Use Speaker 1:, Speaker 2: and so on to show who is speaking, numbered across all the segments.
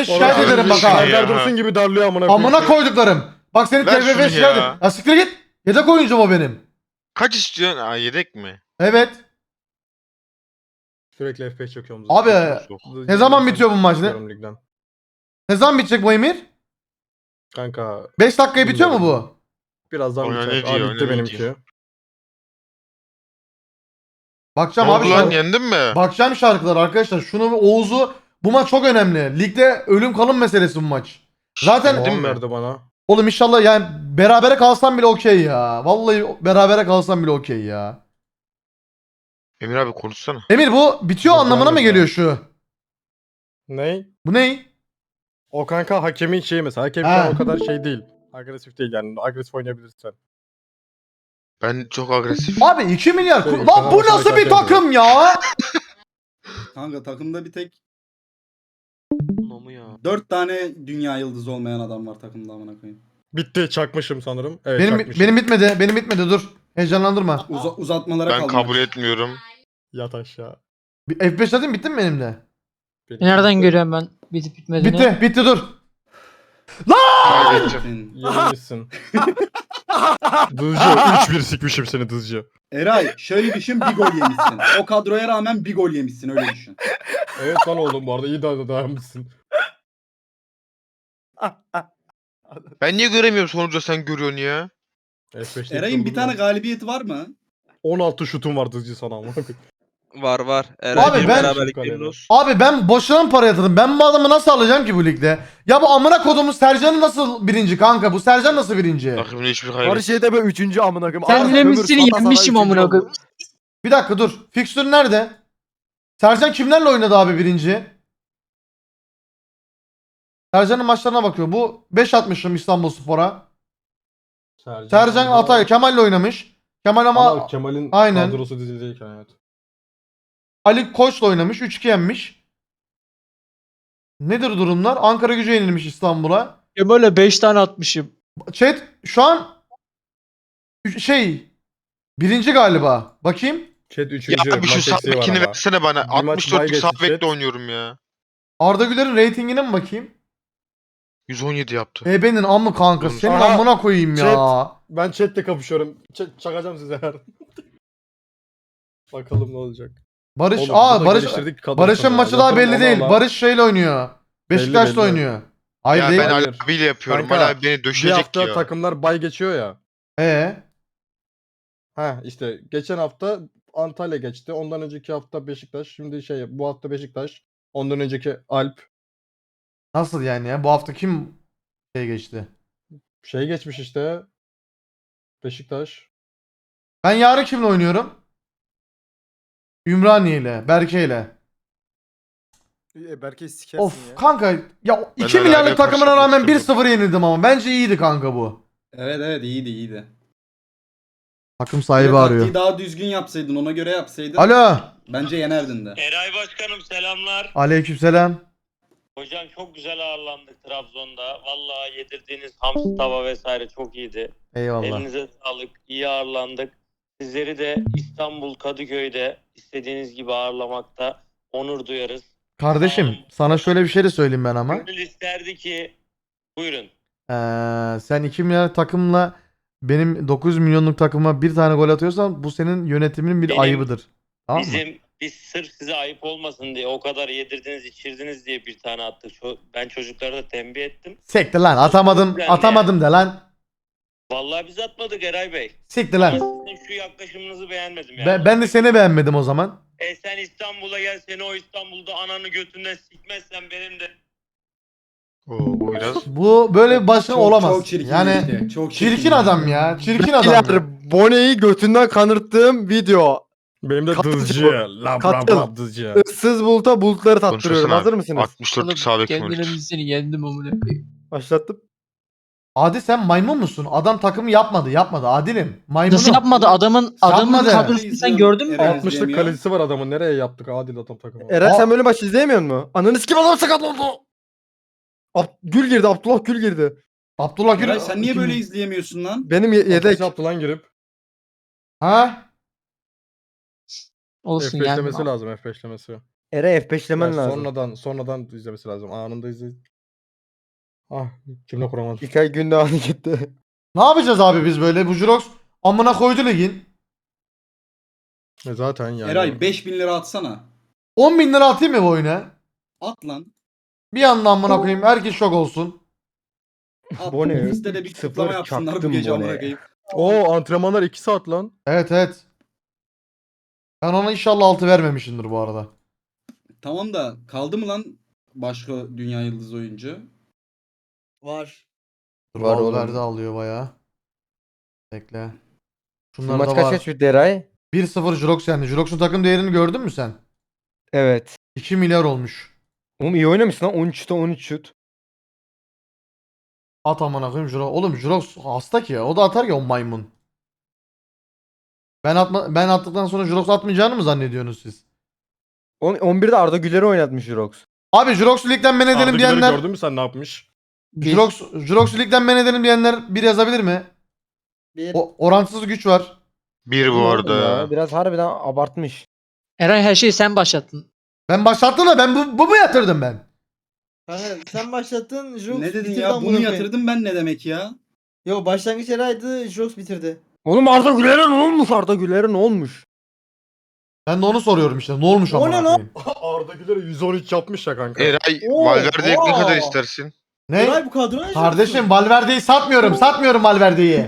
Speaker 1: TFF şikayet
Speaker 2: Orası
Speaker 1: ederim bak
Speaker 2: şey
Speaker 1: ha.
Speaker 2: ya.
Speaker 3: Serdar Dursun gibi darlıyor amına koyayım.
Speaker 1: Amına koyduklarım. Bak seni
Speaker 2: Ver şunu
Speaker 1: TFF şikayet
Speaker 2: ya.
Speaker 1: ederim. Ya siktir git. Yedek oyuncum o benim.
Speaker 2: Kaç istiyorsun? Aa, yedek mi?
Speaker 1: Evet.
Speaker 3: Sürekli F5 çekiyorum.
Speaker 1: Abi
Speaker 2: Yok.
Speaker 1: ne zaman bitiyor bu maç ne?
Speaker 3: Ligden.
Speaker 1: Ne zaman bitecek bu Emir?
Speaker 3: Kanka
Speaker 1: 5 dakikaya bitiyor mu
Speaker 3: Bilmiyorum.
Speaker 1: bu?
Speaker 3: birazdan
Speaker 2: Oyna
Speaker 3: biter.
Speaker 2: ne diyor,
Speaker 3: Aa bitti
Speaker 2: oyna ne
Speaker 3: benimki.
Speaker 2: diyor.
Speaker 1: Bakacağım
Speaker 2: Ne
Speaker 1: abi
Speaker 2: oldu lan,
Speaker 1: şarkı.
Speaker 2: yendin mi?
Speaker 1: Bakacağım şarkılar arkadaşlar. Şunu ve Oğuz'u bu maç çok önemli. Ligde ölüm kalım meselesi bu maç. Zaten
Speaker 2: Yendin
Speaker 3: Puan
Speaker 2: mi?
Speaker 3: verdi bana.
Speaker 1: oğlum inşallah yani berabere kalsam bile okey ya. Vallahi berabere kalsam bile okey ya.
Speaker 2: Emir abi konuşsana.
Speaker 1: Emir bu bitiyor
Speaker 3: Yok,
Speaker 1: anlamına mı
Speaker 3: gelmedi
Speaker 1: geliyor
Speaker 3: daha.
Speaker 1: şu?
Speaker 3: Ney?
Speaker 1: Bu ne?
Speaker 3: O kanka hakemin şeyi mesela. Hakem şu
Speaker 1: Ha.
Speaker 3: an o kadar şey değil. Agresif değil yani. Agresif oynayabilirsin.
Speaker 2: Ben çok agresif.
Speaker 1: Abi 2 milyar.
Speaker 3: Şey,
Speaker 1: Lan
Speaker 3: sana
Speaker 1: bu
Speaker 3: başına
Speaker 1: nasıl bir
Speaker 3: şarkı
Speaker 1: takım ya?
Speaker 4: Kanka takımda bir tek
Speaker 2: Namı ya.
Speaker 4: 4 tane dünya yıldızı olmayan adam var takımda amına koyayım.
Speaker 3: Bitti çakmışım sanırım. Evet
Speaker 1: Benim
Speaker 3: çakmışım.
Speaker 1: benim bitmedi. Benim bitmedi dur. Heyecanlandırma.
Speaker 4: Uzatmalara
Speaker 2: Ben
Speaker 4: kaldı.
Speaker 2: kabul etmiyorum.
Speaker 3: Yat aşağı.
Speaker 1: Bir F5 atayım bitti mi benim de?
Speaker 3: Bitti.
Speaker 5: Nereden görüyorum ben bitip bitmediğini?
Speaker 1: Bitti dur.
Speaker 2: Kaybedeceğim.
Speaker 3: Yenilmişsin. Dızcı 3-1 sikmişim seni Dızcı.
Speaker 4: Eray şöyle düşün, bir gol yemişsin. O kadroya rağmen bir gol yemişsin, öyle düşün.
Speaker 3: Evet lan oğlum bu arada iyi dayanmışsın.
Speaker 2: Ben niye göremiyorum sonucu sen görüyorsun ya?
Speaker 3: F5'te
Speaker 4: Eray'ın bir tane galibiyeti var mı?
Speaker 3: 16 şutum var Dızcı sana amına koyayım.
Speaker 6: Var var. Eray
Speaker 1: Abi
Speaker 6: bir
Speaker 1: ben-
Speaker 6: beraberlik memnun olsun.
Speaker 1: Abi ben boşuna mı para yatırdım? Ben bu adamı nasıl alacağım ki bu ligde? Ya bu amına kodumun Sercan'ı nasıl birinci kanka? Bu Sercan nasıl birinci?
Speaker 2: Takımın hiçbir
Speaker 7: Her
Speaker 2: kaybetmedi.
Speaker 7: şeyde böyle 3. amına koyayım.
Speaker 5: Sen
Speaker 7: Arada
Speaker 5: ne
Speaker 7: ömür
Speaker 5: misin
Speaker 7: sata sana
Speaker 5: yenmişim
Speaker 7: 3.
Speaker 5: amına
Speaker 7: oldu.
Speaker 5: koyayım.
Speaker 1: Bir dakika dur. Fixture nerede? Sercan kimlerle oynadı abi birinci? Sercan'ın maçlarına bakıyor. Bu 5 atmışım İstanbulspor'a. Sercan Atay Kemal'le oynamış. Kemal ama
Speaker 3: Kemal'in
Speaker 1: Aynen.
Speaker 3: kadrosu dizildeyken evet.
Speaker 1: Ali Koç'la oynamış. 3-2 yenmiş. Nedir durumlar? Ankara Gücü yenilmiş İstanbul'a.
Speaker 5: Ya böyle 5 tane atmışım.
Speaker 1: Chat şu an birinci galiba. Bakayım.
Speaker 3: Chat 3.
Speaker 2: Ya abi şu
Speaker 3: maç
Speaker 2: sağ
Speaker 3: eksiği var
Speaker 2: bekini
Speaker 3: ama.
Speaker 2: versene bana.
Speaker 3: Bir maç
Speaker 2: 64'lük
Speaker 3: bay
Speaker 2: sağ
Speaker 3: geçti
Speaker 2: bekle
Speaker 3: chat.
Speaker 2: oynuyorum ya.
Speaker 1: Arda Güler'in reytingine mi bakayım?
Speaker 2: 117 yaptı.
Speaker 1: Ebe'nin amı kanka. Senin
Speaker 3: Aha,
Speaker 1: amına koyayım ya.
Speaker 3: chat. Ben chatte kapışıyorum. Çakacağım size her. Bakalım ne olacak.
Speaker 1: Barış
Speaker 3: Oğlum, bu da
Speaker 1: Barış
Speaker 3: geliştirdik kadrosunu
Speaker 1: Barış'ın
Speaker 3: ya.
Speaker 1: maçı daha
Speaker 3: Yatırım
Speaker 1: belli
Speaker 3: ona
Speaker 1: değil.
Speaker 3: ala.
Speaker 1: Barış şeyle oynuyor. Beşiktaş'la
Speaker 3: belli.
Speaker 1: oynuyor. Hayır
Speaker 2: Ya
Speaker 1: değil.
Speaker 2: ben Ali
Speaker 3: Hayır.
Speaker 2: abiyle yapıyorum.
Speaker 3: Kanka,
Speaker 2: Ali abi beni
Speaker 3: Bir
Speaker 2: döşecek
Speaker 3: hafta
Speaker 2: ya.
Speaker 3: takımlar bay geçiyor ya. Ha işte geçen hafta Antalya geçti. Ondan önceki hafta Beşiktaş. Şimdi bu hafta Beşiktaş. Ondan önceki Alp.
Speaker 1: Nasıl yani ya? Bu hafta kim geçti?
Speaker 3: Geçmiş işte. Beşiktaş.
Speaker 1: Ben yarın kimle oynuyorum? Ümraniye ile, Berke ile.
Speaker 7: Berke'yi sikersin
Speaker 1: Of
Speaker 7: ya.
Speaker 1: kanka ya 2
Speaker 2: hala
Speaker 1: milyarlık
Speaker 2: ne
Speaker 1: takımına rağmen
Speaker 2: karşılaştırdım.
Speaker 1: 1-0 yenildim ama bence iyiydi kanka bu.
Speaker 4: Evet iyiydi.
Speaker 1: Takım sahibi
Speaker 4: Taktiği
Speaker 1: arıyor.
Speaker 4: daha düzgün yapsaydın, ona göre yapsaydın.
Speaker 1: Alo.
Speaker 4: Bence yenerdin de.
Speaker 8: Eray Başkanım selamlar.
Speaker 1: Aleykümselam.
Speaker 8: Hocam çok güzel ağırlandık Trabzon'da. Vallahi yedirdiğiniz hamsi tava vesaire çok iyiydi.
Speaker 1: Eyvallah.
Speaker 8: Elinize sağlık. İyi ağırlandık. Sizleri de İstanbul Kadıköy'de istediğiniz gibi ağırlamakta onur duyarız.
Speaker 1: Kardeşim sana şöyle bir şey de söyleyeyim ben ama.
Speaker 8: Gönül isterdi ki buyurun.
Speaker 1: Sen 2 milyar takımla benim 9 milyonluk takıma bir tane gol atıyorsan bu senin yönetiminin bir
Speaker 8: Benim-
Speaker 1: ayıbıdır. Tamam mı?
Speaker 8: Biz sırf size ayıp olmasın diye o kadar yedirdiniz içirdiniz diye bir tane attık. Ben çocuklara da tembih ettim.
Speaker 1: Siktir lan atamadım
Speaker 8: Yani.
Speaker 1: atamadım de lan.
Speaker 8: Vallahi biz atmadık Eray Bey.
Speaker 1: Siktir
Speaker 8: Ama
Speaker 1: lan.
Speaker 8: sizin şu yaklaşımınızı beğenmedim yani.
Speaker 1: Ben de seni beğenmedim o zaman.
Speaker 8: Sen İstanbul'a gel, seni o İstanbul'da ananı götünden sikmezsen benim de.
Speaker 2: Oo, bu biraz.
Speaker 1: Bu böyle bir başkan olamaz.
Speaker 4: Çok çirkin
Speaker 1: Yani
Speaker 4: işte, çok
Speaker 1: çirkin adam ya. Çirkin adam.
Speaker 7: Beyler, Bone'yi götünden kanırttığım video.
Speaker 3: Benim de
Speaker 7: Katıl-
Speaker 3: Dızcı. Lab
Speaker 7: Katıl.
Speaker 3: Dızcı.
Speaker 7: Issız buluta bulutları tattırıyorum.
Speaker 2: Konuşmasana.
Speaker 7: Hazır mısınız?
Speaker 2: 64'lük sağ bekim
Speaker 5: Kendine
Speaker 2: öldür.
Speaker 5: bilseni yendim amına koyayım.
Speaker 7: Başlattım.
Speaker 1: Adi sen maymun musun? Adam takımı yapmadı. Adilim. Maymunum.
Speaker 5: Nasıl yapmadı? Adamın
Speaker 1: Yapmadı.
Speaker 5: kadrosunu sen gördün mü?
Speaker 4: Evet.
Speaker 3: 60'lık
Speaker 4: izleyemiyor.
Speaker 3: kalecisi var adamın. Nereye yaptık adil adam takımı?
Speaker 7: Eren
Speaker 1: Aa.
Speaker 7: sen böyle maç izleyemiyor musun? Ananı sikim adam sakat oldu. Gül girdi. Abdullah Gül girdi.
Speaker 1: Abdullah Gül.
Speaker 4: Eray sen niye
Speaker 1: Kim-
Speaker 4: böyle izleyemiyorsun lan?
Speaker 7: Benim
Speaker 3: Yedek.
Speaker 7: yedek.
Speaker 3: yaptı lan girip.
Speaker 1: Ha?
Speaker 5: Olsun yani.
Speaker 3: F5'lemesi lazım F5'lemesi.
Speaker 7: Eray F5'lemen
Speaker 3: Yani
Speaker 7: lazım.
Speaker 3: sonradan izlemesi lazım. Anında izle. Ah cümle kuramadım.
Speaker 7: İlkay Gündoğan'ı gitti.
Speaker 1: Ne yapacağız abi biz böyle? Bu Jurox amına koydu ligin.
Speaker 3: Zaten yani.
Speaker 4: Eray 5000 lira atsana.
Speaker 1: 10 bin lira atayım mı bu oyuna?
Speaker 4: At lan.
Speaker 1: Bir anda amına koyayım. Herkes şok olsun.
Speaker 4: At.
Speaker 7: Bu ne?
Speaker 4: Bizde de bir
Speaker 7: Sıfır
Speaker 4: kutlama yapsınlar bu
Speaker 7: çaktım
Speaker 4: gece
Speaker 7: bu
Speaker 4: amına
Speaker 7: ne?
Speaker 4: koyayım.
Speaker 3: Oo antrenmanlar 2 saat lan.
Speaker 1: Evet evet. Ben ona inşallah 6 vermemişimdir bu arada.
Speaker 4: Tamam da kaldı mı lan başka dünya yıldız oyuncu?
Speaker 9: Var.
Speaker 7: Var oğlum.
Speaker 1: Valverde alıyor bayağı. Bekle.
Speaker 7: Bu
Speaker 1: Şunlar
Speaker 7: maç
Speaker 1: da
Speaker 7: kaç
Speaker 1: var.
Speaker 7: kaç bitti Eray?
Speaker 1: 1-0 Jurox yendi. Jurox'un takım değerini gördün mü sen?
Speaker 7: Evet.
Speaker 1: 2 milyar olmuş.
Speaker 7: Oğlum iyi oynamışsın lan. 13'te 13 şut.
Speaker 1: At amına koyayım Jurox. Oğlum Jurox hasta ki ya. O da atar ya o maymun. Ben attıktan sonra Jurox atmayacağını mı zannediyorsunuz siz?
Speaker 7: 11'de Arda Güler'i oynatmış Jurox.
Speaker 1: Abi Jurox'u ligden men edelim
Speaker 3: Arda Güler'i
Speaker 1: diyenler.
Speaker 3: gördün mü sen ne yapmış?
Speaker 1: Jurox'u ligden men edelim diyenler bir yazabilir mi?
Speaker 9: Bir.
Speaker 1: Orantısız güç var.
Speaker 2: Bir bu arada ya.
Speaker 7: Biraz harbiden abartmış.
Speaker 5: Eray her şeyi sen başlattın.
Speaker 1: Ben başlattım da ben bu mu yatırdım ben?
Speaker 9: Kanka sen başlattın. Jox
Speaker 4: Ne dedin
Speaker 9: bitirdi
Speaker 4: ya?
Speaker 9: amına
Speaker 4: Bunu
Speaker 9: koyayım.
Speaker 4: yatırdım ben ne demek ya?
Speaker 9: Yo başlangıç Eray'dı. Jox bitirdi.
Speaker 7: Oğlum Arda Güler'e ne olmuş? Arda Güler'e ne olmuş?
Speaker 1: Ben de onu soruyorum işte. Ne olmuş
Speaker 9: O
Speaker 1: amına
Speaker 9: ne lan?
Speaker 1: koyayım?
Speaker 3: Arda Güler'e 113 yapmış ya kanka.
Speaker 2: Eray
Speaker 9: Oo,
Speaker 2: Valverde'ye ne kadar
Speaker 9: oo.
Speaker 2: istersin?
Speaker 1: Ne?
Speaker 9: Eray bu kadro ne?
Speaker 1: Kardeşim Valverde'yi satmıyorum. Satmıyorum Valverde'yi.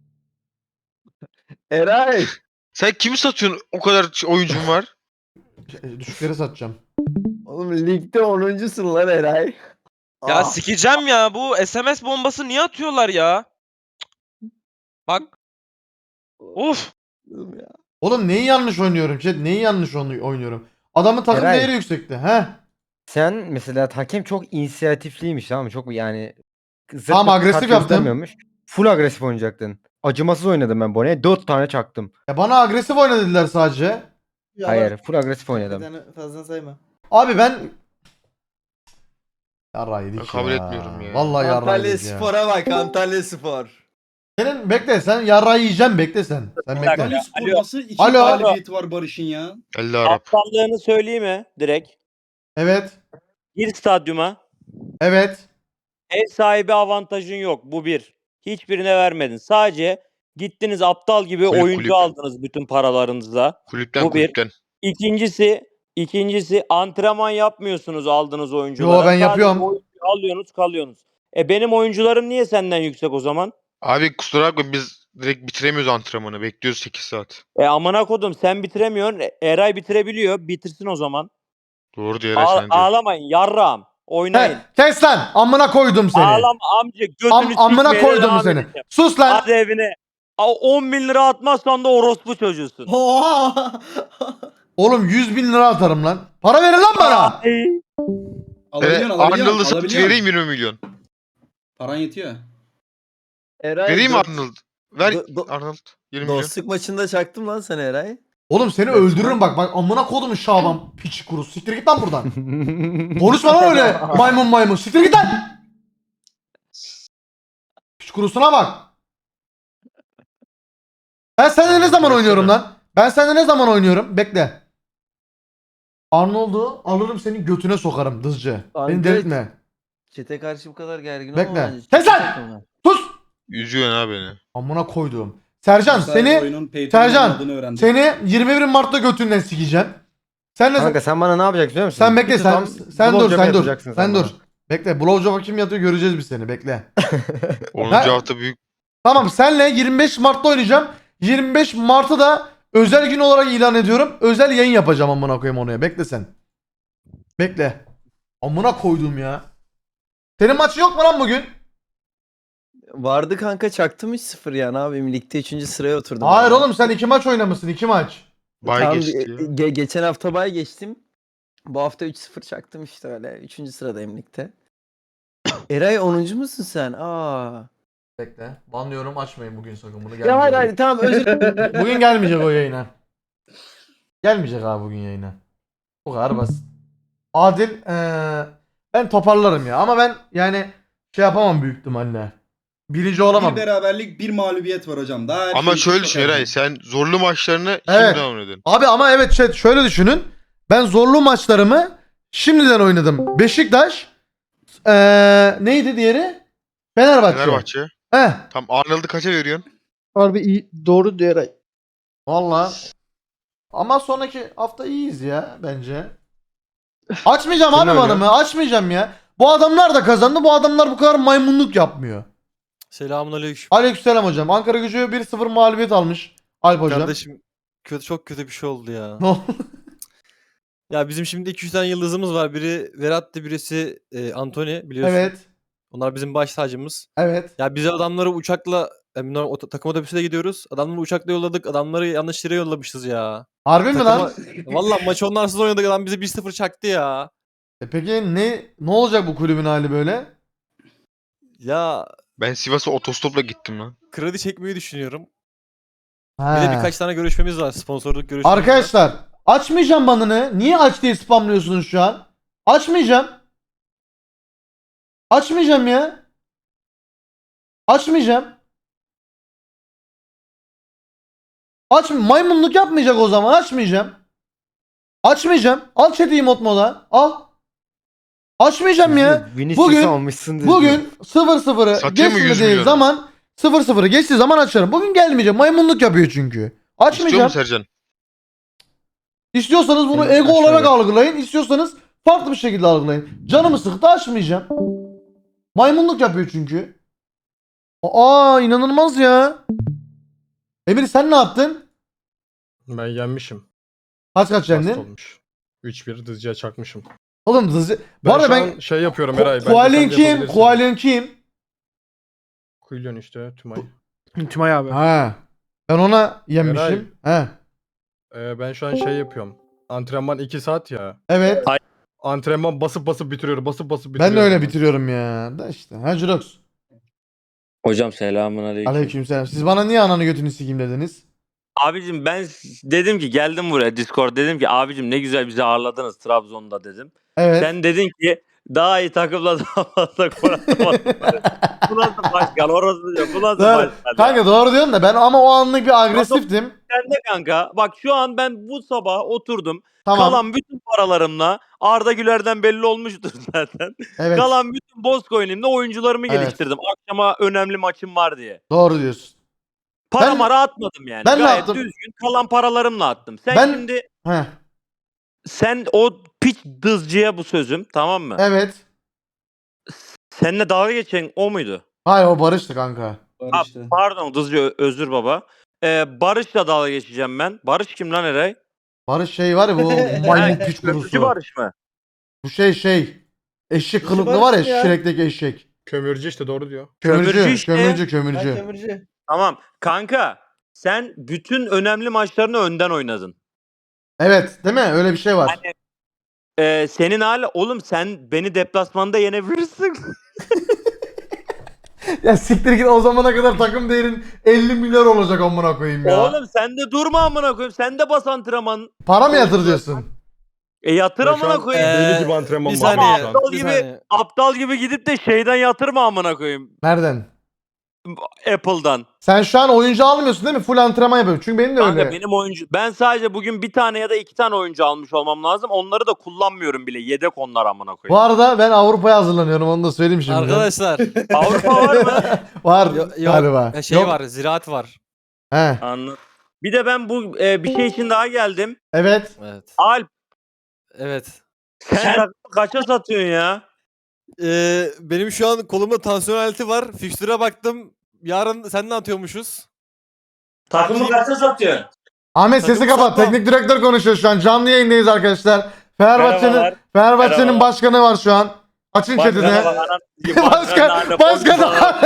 Speaker 7: Eray.
Speaker 2: Sen kimi satıyorsun? O kadar oyuncun var.
Speaker 1: Düşükleri satacağım.
Speaker 7: Oğlum ligde 10'uncusun lan Eray.
Speaker 6: Ya sikeceğim ya. Bu SMS bombası niye atıyorlar ya? Bak. Of.
Speaker 1: Oğlum neyi yanlış oynuyorum chat? Neyi yanlış oynuyorum? Adamın takım
Speaker 7: Eray.
Speaker 1: değeri yüksekti. He?
Speaker 7: Sen mesela hakem çok inisiyatifliymiş tamam mı? Çok yani zırt
Speaker 1: Tamam,
Speaker 7: pırt
Speaker 1: agresif
Speaker 7: kart
Speaker 1: yaptım.
Speaker 7: göstermiyormuş. Full agresif oynayacaktın. Acımasız oynadım ben Bone'ye. 4 tane çaktım.
Speaker 1: Ya bana agresif oyna dediler sadece.
Speaker 7: Hayır, full agresif
Speaker 9: Bir
Speaker 7: oynadım.
Speaker 9: tane fazla sayma.
Speaker 1: Abi ben yarrağı yedik
Speaker 2: Ben kabul
Speaker 1: ya.
Speaker 2: etmiyorum ya.
Speaker 1: Vallahi yarrağı
Speaker 9: Antalya
Speaker 1: yedik ya.
Speaker 9: Spor'a bak. Antalya Spor.
Speaker 1: Senin bekle sen yarrağı yiyeceksin bekle sen. Sen bekle.
Speaker 4: Antalya Spor nasıl 2
Speaker 1: Alo.
Speaker 4: galibiyeti var Barış'ın ya?
Speaker 2: 50 Arap.
Speaker 8: Aptallığını söyleyeyim mi direkt?
Speaker 1: Evet.
Speaker 8: Gir stadyuma.
Speaker 1: Evet.
Speaker 8: Ev sahibi avantajın yok. Bu bir. Hiçbirine vermedin. Sadece gittiniz aptal gibi
Speaker 2: Kulüp,
Speaker 8: oyuncu
Speaker 2: kulüp.
Speaker 8: aldınız bütün paralarınızla.
Speaker 2: Kulüpten
Speaker 8: Bu bir.
Speaker 2: kulüpten.
Speaker 8: İkincisi antrenman yapmıyorsunuz aldığınız oyunculara.
Speaker 1: Yo, ben
Speaker 8: Sadece
Speaker 1: yapıyorum.
Speaker 8: oyuncu alıyorsunuz kalıyorsunuz. Benim oyuncularım niye senden yüksek o zaman?
Speaker 2: Abi kusura bakma biz direkt bitiremiyoruz antrenmanı. Bekliyoruz 8 saat.
Speaker 8: Amına kodum sen bitiremiyorsun. Eray bitirebiliyor. Bitirsin o zaman.
Speaker 2: Doğru diyor Eray sen diyor.
Speaker 8: Ağlamayın yarrağım. Oynayın.
Speaker 1: He, kes lan. Amına koydum seni.
Speaker 8: Ağlama amca götünü
Speaker 1: Amına
Speaker 8: sikmeye
Speaker 1: koydum
Speaker 8: devam
Speaker 1: seni.
Speaker 8: edeceğim.
Speaker 1: Sus lan.
Speaker 8: Hadi evine. 10 bin lira atmazsan da orospu çocuğusun.
Speaker 9: Oha!
Speaker 1: Oğlum 100 bin lira atarım lan. Para verin lan bana.
Speaker 4: Alabiliyorsun
Speaker 2: Arnold'u satıp
Speaker 4: alabiliyorsun.
Speaker 2: vereyim 20 milyon.
Speaker 4: Paran yetiyor.
Speaker 9: Eray
Speaker 2: Vereyim mi Arnold? Ver
Speaker 9: Do-
Speaker 2: Arnold 20 milyon.
Speaker 9: Dostluk maçında çaktım lan sen Eray.
Speaker 1: Oğlum seni öldürürüm bak. Bak amına koydum Şaban piçi kurusu. Siktir git lan buradan. Konuşma lan öyle. Maymun. Siktir git lan. Piç kurusuna bak. Ben seninle ne zaman oynuyorum lan? Ben seninle ne zaman oynuyorum? Bekle. Arnold'u alırım senin götüne sokarım dızcı. Beni
Speaker 9: Anget.
Speaker 1: delirtme.
Speaker 9: Çete karşı bu kadar gergin
Speaker 1: Bekle.
Speaker 9: olma bence.
Speaker 1: Kes
Speaker 9: Çok
Speaker 1: lan!
Speaker 9: takımlar.
Speaker 1: Sus.
Speaker 2: Üzüyorsun ha beni.
Speaker 1: Amına koyduğum. Sercan
Speaker 4: Bu sayede
Speaker 1: seni
Speaker 4: oyunun pay to
Speaker 1: Sercan,
Speaker 4: win olduğunu öğrendim.
Speaker 1: seni 21 Mart'ta götünden sikeceğim. Sen ne
Speaker 7: Kanka sen bana ne yapacaksın biliyor musun?
Speaker 1: sen bekle
Speaker 7: Bir
Speaker 1: sen
Speaker 7: tutam
Speaker 1: sen dur
Speaker 7: blowjob
Speaker 1: sen dur.
Speaker 7: yapacaksın
Speaker 1: Sen dur.
Speaker 7: bana.
Speaker 1: Bekle. Blowjob'a kim yatıyor göreceğiz biz seni. Bekle.
Speaker 2: 10.
Speaker 1: Ben-
Speaker 2: hafta büyük.
Speaker 1: Tamam senle 25 Mart'ta oynayacağım. 25 Mart'ı da özel gün olarak ilan ediyorum. Özel yayın yapacağım amına koyayım oraya. Bekle sen. Bekle. Amına koydum ya. Senin maçın yok mu lan bugün?
Speaker 9: Vardı kanka çaktım 3-0 ya ne yapayım ligde 3. sıraya oturdum.
Speaker 1: Hayır
Speaker 9: ya.
Speaker 1: oğlum sen 2 maç oynamışsın 2 maç.
Speaker 2: Bay
Speaker 9: Tamam,
Speaker 2: geçti ya.
Speaker 9: geçen hafta bay geçtim. Bu hafta 3-0 çaktım işte öyle. 3. sıradayım ligde. Eray 10. musun sen? Aa.
Speaker 1: Bekle. Banlıyorum açmayın bugün sakın bunu
Speaker 9: Ya
Speaker 1: gelmeyecek.
Speaker 9: hayır hayır tamam özür
Speaker 1: Bugün gelmeyecek o yayına. Gelmeyecek abi bugün yayına. Bu kadar basit. Adil ben toparlarım ya ama ben yani şey yapamam büyük ihtimalle. Birinci olamam.
Speaker 4: Bir beraberlik, bir mağlubiyet var hocam. Daha her
Speaker 2: Ama
Speaker 4: şey
Speaker 2: şöyle
Speaker 4: çok
Speaker 2: düşün
Speaker 4: erken.
Speaker 2: Eray sen zorlu maçlarını
Speaker 1: Evet.
Speaker 2: şimdiden oynadın.
Speaker 1: Abi ama evet chat şöyle düşünün. Ben zorlu maçlarımı şimdiden oynadım. Beşiktaş neydi diğeri? Fenerbahçe.
Speaker 2: Fenerbahçe.
Speaker 1: Heh.
Speaker 2: Tam Arnold'u kaça veriyorsun?
Speaker 7: Harbi iyi. Doğru diyor Eray.
Speaker 1: Valla. Ama sonraki hafta iyiyiz ya bence. Açmayacağım
Speaker 3: Kim
Speaker 1: abi
Speaker 3: oynuyor?
Speaker 1: banımı. Açmayacağım ya. Bu adamlar da kazandı. Bu adamlar bu kadar maymunluk yapmıyor.
Speaker 10: Selamünaleyküm.
Speaker 1: Aleykümselam hocam. Ankara Gücü 1-0 mağlubiyet almış. Alp hocam.
Speaker 10: Kardeşim çok kötü bir şey oldu ya.
Speaker 1: Ne oldu?
Speaker 10: Ya bizim şimdi 2-3 tane yıldızımız var. Biri Verratti, birisi Antony biliyorsun.
Speaker 1: Evet.
Speaker 10: Onlar bizim baş tacımız.
Speaker 1: Evet.
Speaker 10: Ya bize adamları uçakla takım otobüsüne gidiyoruz. Adamları uçakla yolladık. Adamları yanlış yere yollamışız ya.
Speaker 1: Harbi mi lan?
Speaker 10: Valla maçı onlarsız oynadık. Adam bizi 1-0 çaktı ya.
Speaker 1: Peki ne olacak bu kulübün hali böyle?
Speaker 10: Ya
Speaker 2: Ben Sivas'a otostopla gittim lan.
Speaker 10: kredi çekmeyi düşünüyorum. Bir
Speaker 1: He.
Speaker 10: de birkaç tane görüşmemiz var. Sponsorluk görüşmemiz var.
Speaker 1: Arkadaşlar açmayacağım banını. Niye aç diye spamlıyorsunuz şu an? Açmayacağım. Açmayacağım ya. Açmayacağım. Maymunluk yapmayacak o zaman. Açmayacağım. Açmayacağım. Al chat'i mod moda. Al. Açmayacağım ya. Bugün 0-0'ı
Speaker 2: Satayım mı 100
Speaker 1: geçmediği
Speaker 2: milyonu?
Speaker 1: zaman 0-0'ı geçtiği zaman açarım. Bugün gelmeyeceğim. Maymunluk yapıyor çünkü.
Speaker 2: İstiyor
Speaker 1: Açmayacağım.
Speaker 2: musun Sercan?
Speaker 1: İstiyorsanız bunu
Speaker 3: Evet,
Speaker 1: ego
Speaker 3: şöyle.
Speaker 1: olarak algılayın. İstiyorsanız farklı bir şekilde algılayın. Canımı sıktı açmayacağım. Maymunluk yapıyor çünkü. Aa inanılmaz ya. Emir sen ne yaptın?
Speaker 3: Ben yenmişim.
Speaker 1: Kaç
Speaker 3: Hasta
Speaker 1: yendin?
Speaker 3: olmuş. 3-1 dızcıya çakmışım.
Speaker 1: Oğlum hızlı. Bu
Speaker 3: Ben
Speaker 1: arada
Speaker 3: şu
Speaker 1: ben
Speaker 3: an şey yapıyorum Eray.
Speaker 1: Kualin kim? Kualin kim?
Speaker 3: Kuilyon işte Tümay.
Speaker 7: Tümay abi.
Speaker 1: Ha. Ben ona yenmişim. He.
Speaker 3: Ben şu an şey yapıyorum. Antrenman 2 saat ya.
Speaker 1: Evet.
Speaker 3: Antrenman basıp basıp bitiriyorum. Basıp basıp
Speaker 1: Ben
Speaker 3: bitiriyorum.
Speaker 1: de öyle bitiriyorum ya. Da işte. Ha Jurox.
Speaker 11: Hocam selamünaleyküm.
Speaker 1: Aleykümselam. Siz bana niye ananı götünü sikeyim dediniz?
Speaker 11: Abicim ben dedim ki geldim buraya Discord dedim ki abicim ne güzel bizi ağırladınız Trabzon'da dedim.
Speaker 1: Evet.
Speaker 11: Sen dedin ki daha iyi takımla daha fazla gol atamadın. Bu nasıl başkan orası diyor. Bu nasıl
Speaker 1: Doğru.
Speaker 11: başkan?
Speaker 1: Kanka doğru diyorsun da ben ama o anlık bir agresiftim.
Speaker 11: Sen de kanka bak şu an ben bu sabah oturdum.
Speaker 1: Tamam.
Speaker 11: Kalan bütün paralarımla Arda Güler'den belli olmuştur zaten.
Speaker 1: Evet.
Speaker 11: Kalan bütün Bozcoin'imle oyuncularımı
Speaker 1: Evet.
Speaker 11: geliştirdim. Akşama önemli maçım var diye.
Speaker 1: Doğru diyorsun.
Speaker 11: Para
Speaker 1: Ben-
Speaker 11: mara atmadım yani.
Speaker 1: ben ne
Speaker 11: Gayet
Speaker 1: yaptım?
Speaker 11: düzgün kalan paralarımla attım. Sen
Speaker 1: Ben-
Speaker 11: şimdi
Speaker 1: Heh.
Speaker 11: sen o piç dızcıya bu sözüm tamam mı?
Speaker 1: Evet.
Speaker 11: Seninle dalga geçen o muydu?
Speaker 1: Hayır o Barış'tı kanka.
Speaker 4: Barış'tı.
Speaker 11: Pardon dızcı özür baba. Barış'la dalga geçeceğim ben. Barış kim lan Eray?
Speaker 1: Barış şey var ya bu maymun piç
Speaker 11: Köprücü
Speaker 1: kurusu.
Speaker 11: Barış mı?
Speaker 1: Bu şey. Eşek kılıklı var ya Shrek'teki eşek.
Speaker 3: Kömürcü işte doğru diyor.
Speaker 1: Kömürcü,
Speaker 11: Kömürcü işte.
Speaker 1: kömürcü.
Speaker 11: Tamam. Kanka sen bütün önemli maçlarını önden oynadın.
Speaker 1: Evet, değil mi? Öyle bir şey var.
Speaker 11: Senin hala oğlum sen beni deplasmanda yenebilirsin.
Speaker 1: Ya siktir git o zamana kadar takım değerin 50 milyar olacak amına koyayım ya.
Speaker 11: Oğlum sen de durma amına koyayım. Sen de bas antrenman.
Speaker 1: Para mı yatır diyorsun?
Speaker 11: Yatır
Speaker 3: Ben şu
Speaker 11: amına
Speaker 3: an
Speaker 11: koyayım.
Speaker 3: deli gibi antrenman
Speaker 10: bir
Speaker 3: var
Speaker 10: saniye.
Speaker 3: şu an.
Speaker 11: Aptal
Speaker 10: Bir
Speaker 11: gibi
Speaker 10: saniye.
Speaker 11: aptal gibi gidip de şeyden yatırma amına koyayım.
Speaker 1: Nereden?
Speaker 11: Apple'dan.
Speaker 1: Sen şu an oyuncu almıyorsun değil mi? Full antrenman yapıyorum. Çünkü benim de
Speaker 11: Kanka
Speaker 1: öyle.
Speaker 11: benim oyuncu ben sadece bugün bir tane ya da iki tane oyuncu almış olmam lazım. Onları da kullanmıyorum bile. Yedek onlar amına
Speaker 1: Bu
Speaker 11: koyayım.
Speaker 1: arada ben Avrupa'ya hazırlanıyorum onu da söyleyeyim şimdi.
Speaker 10: Arkadaşlar.
Speaker 11: Avrupa var mı?
Speaker 1: Var
Speaker 10: Yok,
Speaker 1: galiba.
Speaker 10: ya şey
Speaker 1: Yok.
Speaker 10: var, ziraat var.
Speaker 1: He.
Speaker 11: Anladım. Bir de ben bu bir şey için daha geldim.
Speaker 1: Evet.
Speaker 10: Evet.
Speaker 11: Alp
Speaker 10: Evet.
Speaker 11: sen takımı kaça satıyorsun ya?
Speaker 10: Benim şu an kolumda tansiyon aleti var. Fikstüre baktım. Yarın seninle atıyormuşuz.
Speaker 11: Takımı kaça satıyorsun?
Speaker 1: Ahmet sesi
Speaker 10: Takımı
Speaker 1: kapat.
Speaker 10: satmam.
Speaker 1: Teknik direktör konuşuyor şu an. Canlı yayındayız arkadaşlar.
Speaker 11: Merhabalar.
Speaker 1: Fenerbahçe'nin
Speaker 11: Merhaba.
Speaker 1: başkanı var şu an. Açın chatini. Başkan.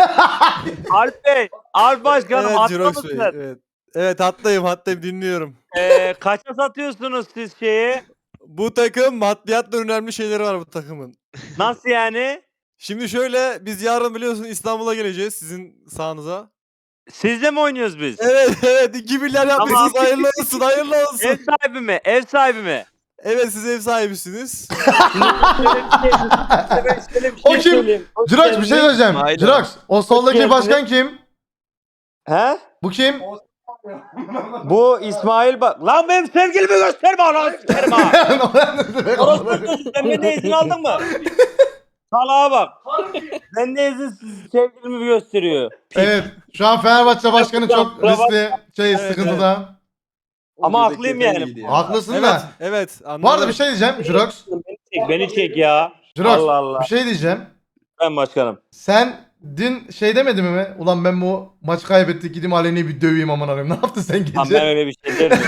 Speaker 11: Alp Başkanım
Speaker 10: Evet
Speaker 11: atla
Speaker 10: Jirox Bey.
Speaker 11: mısın?
Speaker 10: Evet. Evet hattayım dinliyorum.
Speaker 11: Kaça satıyorsunuz siz şeyi?
Speaker 10: Bu takım maddiyatla önemli şeyleri var bu takımın.
Speaker 11: Nasıl yani?
Speaker 10: Şimdi şöyle biz yarın biliyorsun İstanbul'a geleceğiz sizin sahanıza.
Speaker 11: Sizle mi oynuyoruz biz?
Speaker 10: Evet 2 milyar yapmışsınız
Speaker 11: Tamam.
Speaker 10: hayırlı olsun.
Speaker 11: Ev sahibi mi? Ev sahibi mi?
Speaker 10: Evet siz ev sahibisiniz.
Speaker 1: O kim? Jirox bir şey söyleyeceğim.
Speaker 6: Aynen.
Speaker 1: Jirox o soldaki
Speaker 11: geldiniz.
Speaker 1: başkan kim?
Speaker 11: He?
Speaker 1: Bu kim?
Speaker 11: Bu İsmail bak. Lan benim sevgilimi gösterme ananı sikerim ha. Orospu çocuğu, sen benden izin aldın mı? Salağa bak. Benden izinsiz sevgilimi gösteriyor.
Speaker 1: Evet. Şu an Fenerbahçe başkanı çok riskli sıkıntıda.
Speaker 11: Ama haklıyım yani.
Speaker 1: Haklısın
Speaker 10: Evet,
Speaker 1: da.
Speaker 10: evet. Anladım.
Speaker 1: Bu arada bir şey diyeceğim Jurox.
Speaker 11: Beni çek ya.
Speaker 1: Jurox
Speaker 11: Allah Allah.
Speaker 1: bir şey diyeceğim.
Speaker 11: Ben başkanım.
Speaker 1: Sen dün şey demedin mi? Ulan ben bu maçı kaybettik gideyim Aleni'yi bir döveyim aman arayayım. Ne yaptın sen
Speaker 11: Tamam
Speaker 1: gece?
Speaker 11: ben öyle bir şey derim.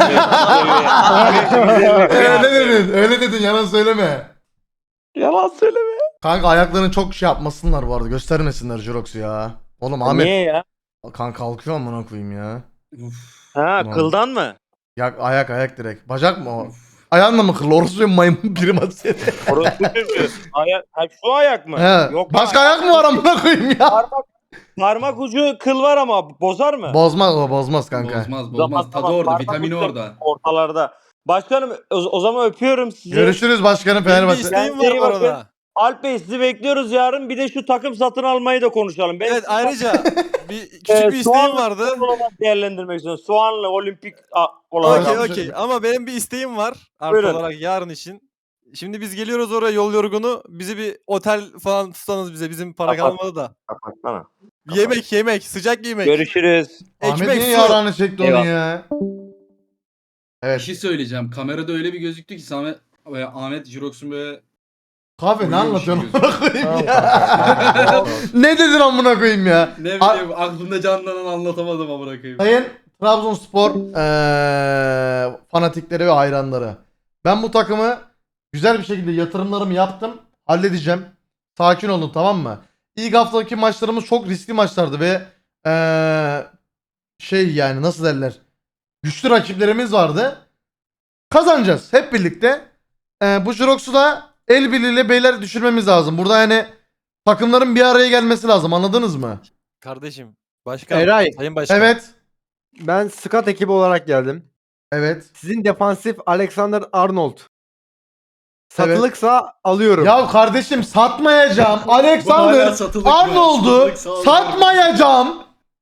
Speaker 1: Öyle dedin yalan söyleme.
Speaker 11: Yalan söyleme.
Speaker 1: Kanka ayaklarını çok şey yapmasınlar bu arada göstermesinler Jurox'u ya. Oğlum Ahmet.
Speaker 11: Niye ya?
Speaker 1: Kanka kalkıyor amına koyayım ya.
Speaker 11: Ha
Speaker 1: Tamam.
Speaker 11: kıldan mı?
Speaker 1: Ya ayak direkt. Bacak mı o? Ayağınla mı kırıl? Orası maymun prim atıyor.
Speaker 11: Orası çocuğu. Ayak, ha, şu ayak mı?
Speaker 1: He.
Speaker 11: Yok
Speaker 1: Başka ayak mı var amına koyayım ya?
Speaker 11: Parmak ucu kıl var ama bozar mı?
Speaker 1: Bozmaz o bozmaz kanka.
Speaker 4: Bozmaz. Tadı orada,
Speaker 11: Parmak
Speaker 4: vitamini
Speaker 11: ucu
Speaker 4: orada.
Speaker 11: Ortalarda. Başkanım o zaman öpüyorum sizi.
Speaker 1: Görüşürüz başkanım
Speaker 10: Benim bir
Speaker 1: Fenerbahçe.
Speaker 10: isteğim
Speaker 11: Kendinize
Speaker 10: var
Speaker 11: iyi
Speaker 10: bu
Speaker 11: bakın.
Speaker 10: arada.
Speaker 11: Alp Bey sizi bekliyoruz yarın. Bir de şu takım satın almayı da konuşalım. Ben
Speaker 10: Evet ayrıca bir küçük bir isteğim
Speaker 11: soğanlı
Speaker 10: vardı.
Speaker 11: futbol olarak değerlendirmek istiyorum. Soğanlı olimpik olarak.
Speaker 10: Okey okey ama benim bir isteğim var artı
Speaker 11: Buyurun.
Speaker 10: olarak yarın için. Şimdi biz geliyoruz oraya yol yorgunu. Bizi bir otel falan tutsanız bize. Bizim para
Speaker 11: Kapat.
Speaker 10: kalmadı da.
Speaker 11: Kapatsana.
Speaker 10: Yemek sıcak yemek.
Speaker 11: Görüşürüz.
Speaker 1: Ahmet
Speaker 10: Ekmek
Speaker 1: niye
Speaker 10: su.
Speaker 1: yarağını çekti onu
Speaker 11: Eyvallah.
Speaker 1: ya?
Speaker 4: Bir
Speaker 1: Evet.
Speaker 4: şey söyleyeceğim. Kamerada öyle bir gözüktü ki Ahmet Jirox'un böyle
Speaker 1: Kahve ne
Speaker 4: Uyuyor bir şey
Speaker 1: anlatıyorsun amına koyayım ya? Ne dedin amına koyayım ya?
Speaker 4: ne bileyim aklımda canlanan anlatamadım amına koyayım.
Speaker 1: Sayın Trabzonspor fanatikleri ve hayranları. Ben bu takımı güzel bir şekilde yatırımlarımı yaptım. Halledeceğim. Sakin olun tamam mı? İlk haftaki maçlarımız çok riskli maçlardı ve şey yani nasıl derler? Güçlü rakiplerimiz vardı. Kazanacağız hep birlikte. Bu Jirox'u da el birliğiyle beyler düşürmemiz lazım. Burada yani takımların bir araya gelmesi lazım anladınız mı?
Speaker 10: Kardeşim. Başkan.
Speaker 7: Eray.
Speaker 10: Sayın başkan.
Speaker 1: Evet.
Speaker 7: Ben scout ekibi olarak geldim.
Speaker 1: Evet.
Speaker 7: Sizin defansif Alexander Arnold. Satılıksa alıyorum.
Speaker 1: Ya kardeşim satmayacağım.
Speaker 4: Bu hala
Speaker 1: Alexander
Speaker 4: satılık mı?
Speaker 1: Arnold'u
Speaker 4: Satılık, sağ ol.
Speaker 1: satmayacağım.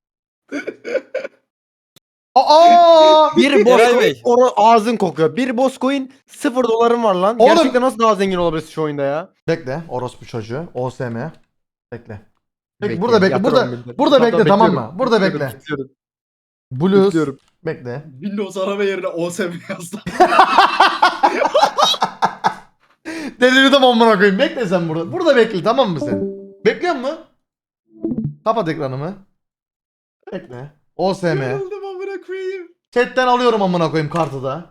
Speaker 1: Aa!
Speaker 7: Bir
Speaker 10: Eray
Speaker 7: Boscoin
Speaker 10: Bey.
Speaker 7: ağzın kokuyor. Bir Boscoin $0 var lan.
Speaker 1: Oğlum.
Speaker 7: Gerçekten nasıl daha zengin olabilirsin şu oyunda ya?
Speaker 1: Bekle orospu çocuğu. OSM. Bekle. Peki
Speaker 7: Bekle,
Speaker 1: burada bekle.
Speaker 7: yatır
Speaker 1: Burada
Speaker 7: 11 lira.
Speaker 1: burada bekle tamam
Speaker 7: bekliyorum.
Speaker 1: mı? Burada
Speaker 7: Bekliyorum,
Speaker 1: bekle.
Speaker 7: bekliyorum,
Speaker 1: Blues.
Speaker 7: bekliyorum.
Speaker 1: Bekle.
Speaker 4: Windows arama yerine OSM yazdı.
Speaker 1: Delirdim amına koyayım. Bekle sen burada. Burada bekle tamam mı sen? Bekliyor musun? Kapat ekranımı. Bekle. OSM.
Speaker 4: Yoruldum amına koyayım.
Speaker 1: Chat'ten alıyorum amına koyayım kartı da.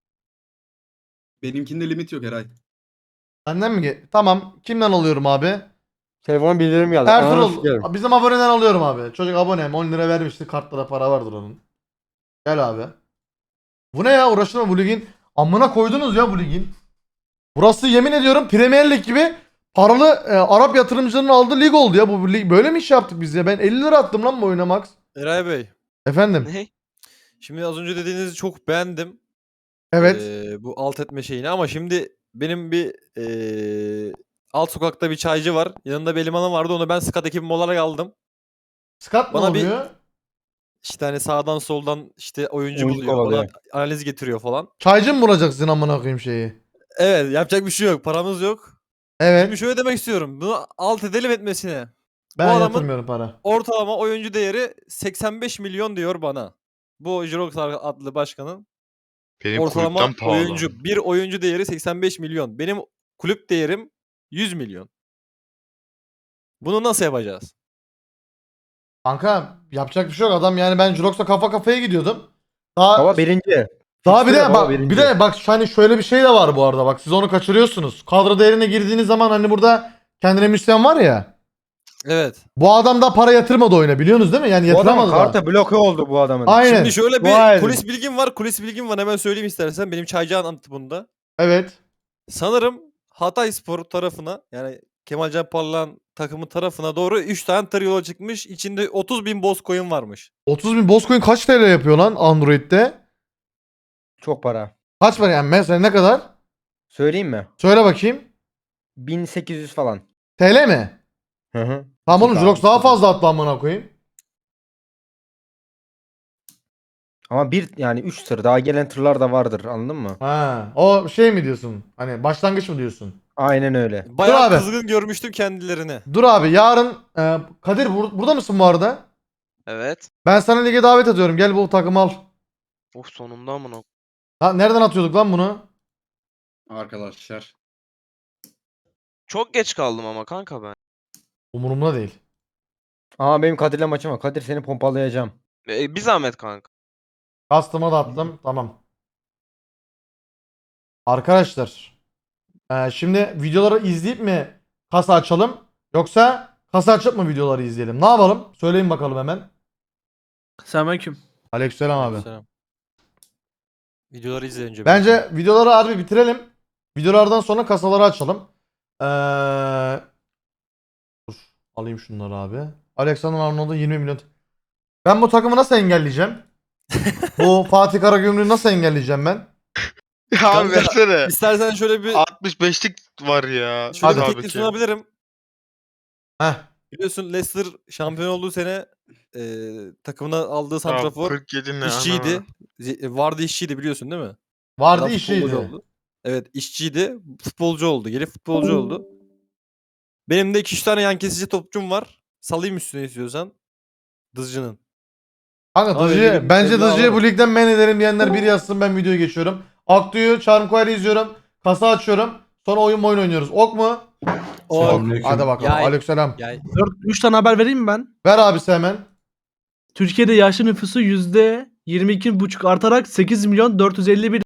Speaker 4: Benimkinde limit yok Eray.
Speaker 1: Benden mi? Tamam. Kimden alıyorum abi?
Speaker 7: Telefona bildirim geldi. Ananı
Speaker 1: Ertuğrul.
Speaker 7: sikerim.
Speaker 1: Bizim aboneden alıyorum abi. Çocuk abonem 10 lira vermişti. Kartlara para vardır onun. Gel abi. Bu ne ya? Uğraştırma bu ligin. Amına koydunuz ya bu ligin. Burası yemin ediyorum Premier Lig gibi paralı Arap yatırımcıların aldığı lig oldu ya. Bu lig böyle mi iş yaptık biz ya? Ben 50 lira attım lan bu oyuna Max.
Speaker 10: Eray Bey.
Speaker 1: Efendim.
Speaker 6: Ne?
Speaker 10: Şimdi az önce dediğinizi çok beğendim.
Speaker 1: Evet.
Speaker 10: Bu alt etme şeyini ama şimdi benim bir alt sokakta bir çaycı var. Yanında bir elemanım vardı. Onu ben scout ekibim olarak aldım.
Speaker 1: Skat ne
Speaker 10: Bana bir-
Speaker 1: oluyor?
Speaker 10: İşte hani sağdan soldan işte oyuncu
Speaker 7: Oyuncu
Speaker 10: buluyor.
Speaker 7: kovalıyor.
Speaker 10: Bana analiz getiriyor falan.
Speaker 1: Çaycı mı vuracaksın amına koyayım şeyi?
Speaker 10: Evet yapacak bir şey yok. Paramız yok.
Speaker 1: Evet.
Speaker 10: Şimdi şöyle demek istiyorum. Bunu alt edelim etmesine.
Speaker 1: Ben
Speaker 10: adamın-
Speaker 1: yatırmıyorum para.
Speaker 10: Ortalama oyuncu değeri 85 milyon diyor bana. Bu Jirox adlı başkanın
Speaker 2: Benim
Speaker 10: ortalama
Speaker 2: kulüpten pahalı.
Speaker 10: oyuncu. Bir oyuncu değeri 85 milyon. Benim kulüp değerim 100 milyon. Bunu nasıl yapacağız?
Speaker 1: Kanka yapacak bir şey yok adam yani ben Jurox'la kafa kafaya gidiyordum. Daha
Speaker 7: Baba birinci.
Speaker 1: Daha bir de
Speaker 7: Baba
Speaker 1: bak
Speaker 7: birinci.
Speaker 1: bir de bak hani şöyle bir şey de var bu arada bak siz onu kaçırıyorsunuz. Kadro değerine girdiğiniz zaman hani burada kendine müsyen var ya.
Speaker 10: Evet.
Speaker 1: Bu adam da para yatırmadı oyuna biliyorsunuz değil mi? Yani
Speaker 7: Bu adamın
Speaker 1: yatıramadı da.
Speaker 7: kartı bloke oldu bu adamın.
Speaker 1: Aynen.
Speaker 10: Şimdi şöyle
Speaker 7: Dua
Speaker 10: bir
Speaker 7: edin.
Speaker 10: kulis bilgim var. Kulis bilgim var. Hemen söyleyeyim istersen. Benim çaycı anlattı bunu da.
Speaker 1: Evet.
Speaker 10: Sanırım Hatayspor tarafına yani Kemalcan Parlak'ın takımı tarafına doğru 3 tane tır yola çıkmış. İçinde 30.000 Bozcoin varmış.
Speaker 1: 30.000 Bozcoin kaç TL yapıyor lan Android'de?
Speaker 7: Çok para.
Speaker 1: Kaç para yani mesela ne kadar?
Speaker 7: Söyleyeyim mi?
Speaker 1: Söyle bakayım.
Speaker 7: 1800 falan.
Speaker 1: TL mi?
Speaker 7: Hı hı.
Speaker 1: Tamam oğlum
Speaker 7: Süper,
Speaker 1: Jurox daha
Speaker 7: süper.
Speaker 1: fazla attı amına koyayım.
Speaker 7: Ama yani 3 tır daha gelen tırlar da vardır anladın mı?
Speaker 1: Ha, o şey mi diyorsun? Hani başlangıç mı diyorsun?
Speaker 7: Aynen öyle.
Speaker 10: Bayağı
Speaker 1: abi.
Speaker 10: kızgın görmüştüm kendilerini.
Speaker 1: Dur abi yarın Kadir burada mısın bu arada?
Speaker 6: Evet.
Speaker 1: Ben sana lige davet ediyorum. Gel bu takımı al.
Speaker 6: Of sonunda amına.
Speaker 1: Ha, nereden atıyorduk lan bunu?
Speaker 4: Arkadaşlar.
Speaker 6: Çok geç kaldım ama kanka ben.
Speaker 1: Umurumda değil.
Speaker 7: Aa benim Kadir'le maçım var. Kadir seni pompalayacağım.
Speaker 6: Bir zahmet kanka.
Speaker 1: Custom'a da attım. Tamam. Arkadaşlar. Şimdi videoları izleyip mi kasa açalım? Yoksa kasa açıp mı videoları izleyelim? Ne yapalım? Söyleyin bakalım hemen.
Speaker 11: Selamünaleyküm.
Speaker 1: Aleykümselam abi.
Speaker 10: Selam. Videoları izle önce.
Speaker 1: Bence videoları harbi bitirelim. Videolardan sonra kasaları açalım. Dur. Alayım şunları abi. Alexander Arnold'u 20 milyon. Ben bu takımı nasıl engelleyeceğim? Bu Fatih Karagümrük'ü nasıl engelleyeceğim ben?
Speaker 2: Ya
Speaker 10: Kanka,
Speaker 2: abi versene.
Speaker 10: İstersen şöyle bir
Speaker 2: 65'lik var ya.
Speaker 10: şöyle bir
Speaker 1: Hadi.
Speaker 10: teklif sunabilirim.
Speaker 1: Heh.
Speaker 10: Biliyorsun Leicester şampiyon olduğu sene takımına aldığı
Speaker 2: Tamam,
Speaker 10: santrafor
Speaker 2: 47 ne
Speaker 10: işçiydi.
Speaker 2: ana.
Speaker 10: Vardı işçiydi biliyorsun değil mi?
Speaker 1: Vardı
Speaker 10: Adam futbolcu
Speaker 1: işiydi.
Speaker 10: oldu. Evet işçiydi. Futbolcu oldu. Gelip futbolcu oldu. Benim de 2-3 tane yan kesici topçum var. Salayım üstüne istiyorsan. Dızcı'nın.
Speaker 1: Kanka
Speaker 10: Abi
Speaker 1: Dızcı'yı,
Speaker 10: benim
Speaker 1: bence
Speaker 10: evladım
Speaker 1: Dızcı'yı
Speaker 10: var.
Speaker 1: bu ligden men ederim diyenler biri yazsın, ben videoya geçiyorum. Aktu'yu Charmcoil'i izliyorum. Kasa açıyorum. Sonra oyun oynuyoruz. Ok mu? Hadi bakalım.
Speaker 5: Yay.
Speaker 1: Aleykümselam.
Speaker 11: 3 tane haber vereyim mi ben?
Speaker 1: Ver abisi hemen.
Speaker 11: Türkiye'de yaşlı nüfusu %22,5 artarak 8.451